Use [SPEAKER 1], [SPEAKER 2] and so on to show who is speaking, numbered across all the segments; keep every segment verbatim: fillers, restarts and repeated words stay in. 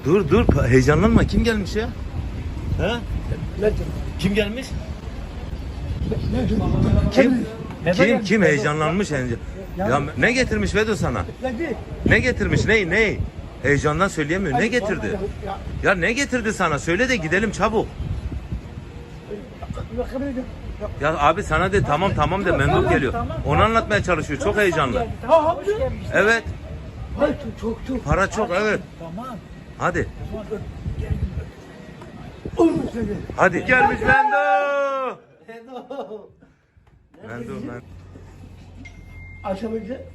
[SPEAKER 1] Dur dur heyecanlanma. Kim gelmiş ya? Ha? Kim gelmiş? Kim? Kim kim heyecanlanmış heyecan. Ya ne getirmiş Vedo sana? Ne getirmiş? Ne ne? Heyecandan söyleyemiyor. Ne getirdi? Ya ne getirdi sana? Söyle de gidelim çabuk. Ya abi sana de tamam tamam de Memduh geliyor. Onu anlatmaya çalışıyor. Çok heyecanlı. Evet.
[SPEAKER 2] Çok çok.
[SPEAKER 1] Para çok evet.
[SPEAKER 2] Tamam.
[SPEAKER 1] Hadi.
[SPEAKER 2] Olmuş dedi.
[SPEAKER 1] Hadi. Gelmiş Memduh. Memduh Memduh.
[SPEAKER 2] Akşam önce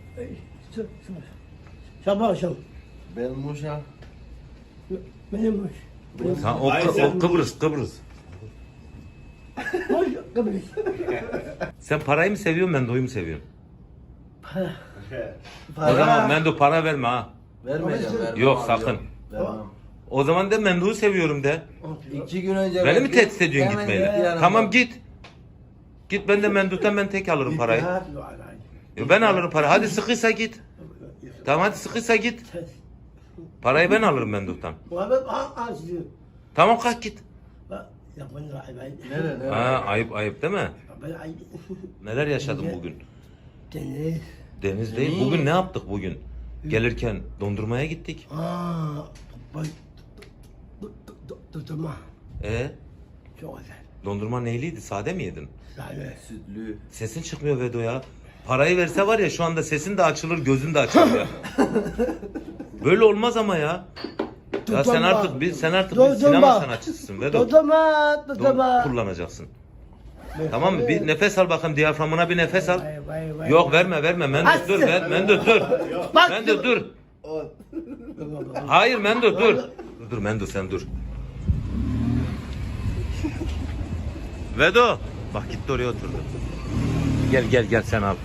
[SPEAKER 2] sabah akşam.
[SPEAKER 3] Ben Muş'a.
[SPEAKER 2] Benim muş.
[SPEAKER 1] Sen, o, o Kıbrıs Kıbrıs.
[SPEAKER 2] Muş Kıbrıs.
[SPEAKER 1] Sen parayı mı seviyorsun Memduh'u mu seviyorsun?
[SPEAKER 2] Para.
[SPEAKER 1] O zaman Memduh para verme ha.
[SPEAKER 3] Vermeyeceğim. vermem
[SPEAKER 1] Yok
[SPEAKER 3] abi,
[SPEAKER 1] sakın.
[SPEAKER 3] yok. Vermem.
[SPEAKER 1] O zaman de Memduh'u seviyorum de.
[SPEAKER 3] İki gün önce...
[SPEAKER 1] Beni mi
[SPEAKER 3] verdim,
[SPEAKER 1] tehdit ediyorsun
[SPEAKER 3] hemen
[SPEAKER 1] gitmeyle?
[SPEAKER 3] gitti yanımda.
[SPEAKER 1] Tamam git. Git ben de Memduh'tan ben tek alırım parayı. Ya ben alırım parayı. Hadi sıkıysa git. Tamam hadi sıkıysa git. Parayı ben alırım Memduh'tan. Tamam kalk git.
[SPEAKER 3] Nere nere?
[SPEAKER 1] Ha, ayıp ayıp değil mi?
[SPEAKER 2] Ben
[SPEAKER 1] Neler yaşadım bugün?
[SPEAKER 2] Deniz.
[SPEAKER 1] Deniz değil. Bugün ne yaptık bugün? Gelirken dondurmaya gittik.
[SPEAKER 2] Aa, bak. Tutma.
[SPEAKER 1] E
[SPEAKER 2] Çok güzel.
[SPEAKER 1] dondurma neyliydi? Sade mi yedin?
[SPEAKER 2] Sahi.
[SPEAKER 3] Sütlü.
[SPEAKER 1] Sesin çıkmıyor Vedo ya. Parayı verse var ya şu anda sesin de açılır, gözün de açılır ya. Böyle olmaz ama ya. Ya sen artık bir sen artık bir sinema sanatçısısın Vedo.
[SPEAKER 2] Tutma, tutma.
[SPEAKER 1] Don kullanacaksın. Tamam mı? Bir nefes al bakayım, diyaframına bir nefes al.
[SPEAKER 2] Vay, vay, vay.
[SPEAKER 1] Yok verme verme Memduh dur ver Memduh dur.
[SPEAKER 2] Bak.
[SPEAKER 1] Memduh dur. Hayır Memduh dur. Dur dur Memduh sen dur. Vedo. Bak gitti oraya oturdu. Gel gel gel sen al.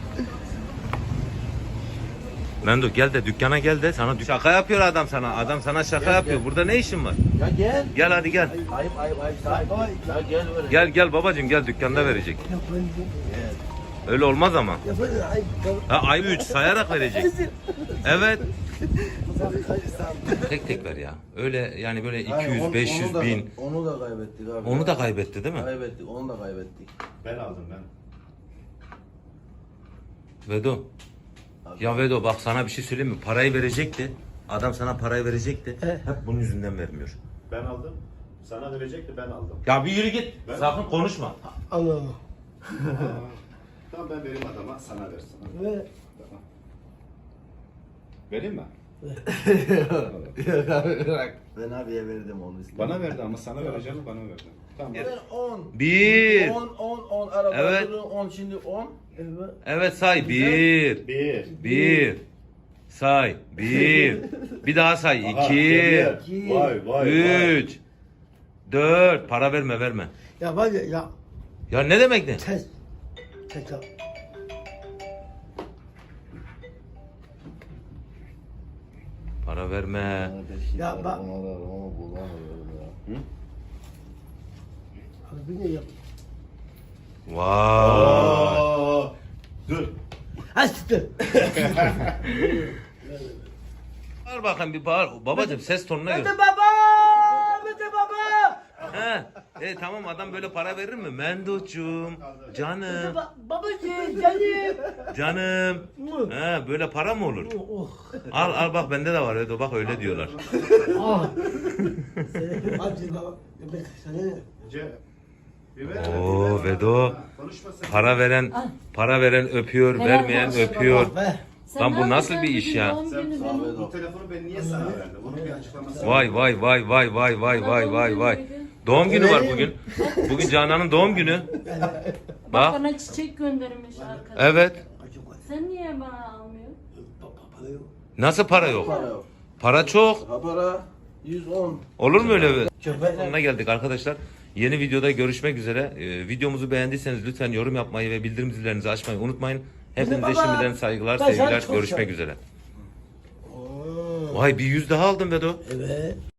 [SPEAKER 1] Memduh gel de dükkana gel de sana şaka yapıyor adam sana. Adam sana şaka
[SPEAKER 3] Gel,
[SPEAKER 1] yapıyor.
[SPEAKER 3] gel.
[SPEAKER 1] Burada ne işin var?
[SPEAKER 3] Ya gel.
[SPEAKER 1] Gel hadi gel.
[SPEAKER 3] Ayıp ayıp ayıp. Ayıp ayıp. Ya gel böyle.
[SPEAKER 1] Gel gel babacığım gel dükkanda verecek. Öyle olmaz ama. Ha ayı üç sayarak verecek. Evet. Tek tek ver ya. Öyle yani böyle iki
[SPEAKER 3] Hayır,
[SPEAKER 1] yüz,
[SPEAKER 3] onu-
[SPEAKER 1] beş yüz
[SPEAKER 3] onu da-
[SPEAKER 1] bin.
[SPEAKER 3] Onu da kaybettik abi.
[SPEAKER 1] Onu da kaybetti değil mi?
[SPEAKER 3] Kaybettik. Onu da kaybettik.
[SPEAKER 4] Ben aldım ben.
[SPEAKER 1] Vedo. Ya Vedo bak sana bir şey söyleyeyim mi? Parayı verecekti. Adam sana parayı verecekti. Hep bunun yüzünden vermiyor.
[SPEAKER 4] Ben aldım. Sana verecekti ben aldım.
[SPEAKER 1] Ya bir yürü git.
[SPEAKER 4] Ben-
[SPEAKER 1] Sakın konuşma.
[SPEAKER 2] Anladım.
[SPEAKER 4] Tamam ben vereyim adama sana versin.
[SPEAKER 2] Ve
[SPEAKER 4] Tamam. Vereyim mi?
[SPEAKER 3] Ben abiye verdim onu.
[SPEAKER 4] Bana verdi ama sana vereceğim bana verdi. Tamam.
[SPEAKER 3] Ben on.
[SPEAKER 1] Bir.
[SPEAKER 3] on on on araba.
[SPEAKER 1] Evet.
[SPEAKER 3] on şimdi on.
[SPEAKER 1] Evet say. Bir.
[SPEAKER 4] Bir.
[SPEAKER 1] Bir. Say. Bir. Bir daha say.
[SPEAKER 4] Aha,
[SPEAKER 1] İki.
[SPEAKER 4] geliyor. Vay vay vay.
[SPEAKER 1] Üç. Dört. Para verme verme.
[SPEAKER 2] ya var ya, ya
[SPEAKER 1] Ya ne demek ne?
[SPEAKER 2] test. Test yap.
[SPEAKER 1] Para verme.
[SPEAKER 2] Ya bak.
[SPEAKER 3] Ona da onu bulamıyorum ya.
[SPEAKER 2] Abi ne yap?
[SPEAKER 1] Vay.
[SPEAKER 4] Oo. Dur.
[SPEAKER 2] Ha siktir.
[SPEAKER 1] Bağır bakayım bir bağır. Babacım ses tonuna
[SPEAKER 2] Mete
[SPEAKER 1] gör.
[SPEAKER 2] baba! Mete baba!
[SPEAKER 1] He. E tamam adam böyle para verir mi? Menduhcuğum. Canım.
[SPEAKER 2] Ba- Babacığım canım.
[SPEAKER 1] Canım. He böyle para mı olur?
[SPEAKER 2] Oh.
[SPEAKER 1] Al al bak bende de var Edo bak öyle diyorlar.
[SPEAKER 2] Ah. Hadi baba. Ben sana ne?
[SPEAKER 4] Ce. Bir ver.
[SPEAKER 1] Oo Vedo.
[SPEAKER 4] Konuşma sen.
[SPEAKER 1] Para veren para veren öpüyor, vermeyen öpüyor.
[SPEAKER 2] Be.
[SPEAKER 1] Lan bu nasıl bir iş ya?
[SPEAKER 4] Sen bu, bu telefonu ben niye sana verdim? Bunun bir açıklaması var.
[SPEAKER 1] Vay vay vay vay vay vay vay vay vay. Doğum günü var bugün. Bugün Canan'ın doğum günü. Bak.
[SPEAKER 5] Bana çiçek göndermiş arkadaş.
[SPEAKER 1] Evet.
[SPEAKER 5] Sen niye bana almıyorsun?
[SPEAKER 1] Nasıl para yok?
[SPEAKER 3] Para yok.
[SPEAKER 1] Para çok.
[SPEAKER 3] Ha para yüz on.
[SPEAKER 1] Olur mu öyle? Sonuna geldik arkadaşlar. Yeni videoda görüşmek üzere. Ee, videomuzu beğendiyseniz lütfen yorum yapmayı ve bildirim zillerinizi açmayı unutmayın. Hepinize
[SPEAKER 2] Baba,
[SPEAKER 1] şimdiden saygılar,
[SPEAKER 2] ben sana
[SPEAKER 1] sevgiler.
[SPEAKER 2] çok
[SPEAKER 1] Görüşmek
[SPEAKER 2] seviyorum.
[SPEAKER 1] üzere. Vay bir yüz daha aldım Vedo.
[SPEAKER 2] Evet.